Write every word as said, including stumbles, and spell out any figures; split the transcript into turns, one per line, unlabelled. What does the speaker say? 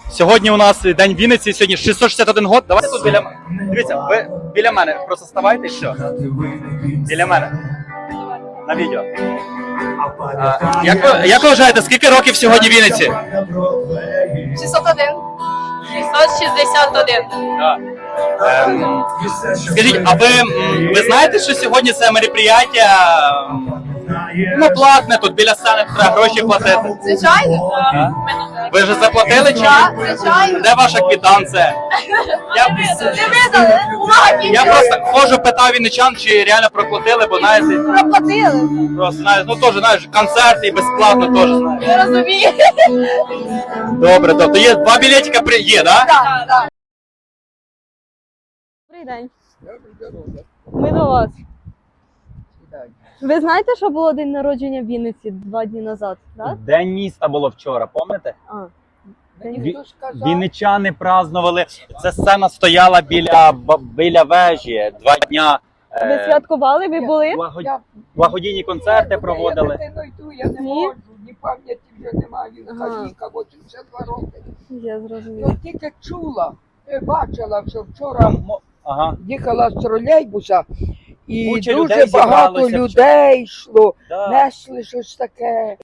Сьогодні у нас День Вінниці, сьогодні шістсот шістдесят один год. Давайте тут біля мене. Дивіться, ви біля мене просто ставайте і все. Біля мене. На відео. А, як, ви, як ви вважаєте, скільки років сьогодні Вінниці?
шістсот один. шістсот шістдесят один.
Так. Ем, скажіть, а ви, м, ви знаєте, що сьогодні це мероприятие, м, ну, платне, тут біля сцени треба гроші платити?
Звичайно.
А? Ви вже заплатили чи
Так,
ні?
звичайно.
Де ваша квитанція? Я,
Не видали. Увага,
я просто ходжу, питав вінничан, чи реально проплатили, бо знаєте,
проплатили.
просто знаєш, ну теж знаєш, концерти і безплатно теж знаєш.
Я розумію.
Добре, тобто є два білетика при є, да?
Так, так.
Добрий день. Ми до вас. Ви знаєте, що було день народження в Вінниці два дні назад, так?
День міста було вчора, пам'ятаєте?
А.
Ві- Вінничани празднували. Ця сцена стояла біля ба- біля вежі два дня.
Ви
е,
святкували, ви були?
благо- Благодійні концерти проводили.
Я дитиною йду, я не
Ні?
можу, ні пам'яті вже немає, він
Ага.
старіка, вісімдесят два роки.
Я зрозуміла.
Ну тільки чула, е, бачила, що вчора
Мо- Ага.
їхала з тролейбуса, і
Куча
дуже
людей
багато
зібралося
людей йшло,
Да.
несли щось таке.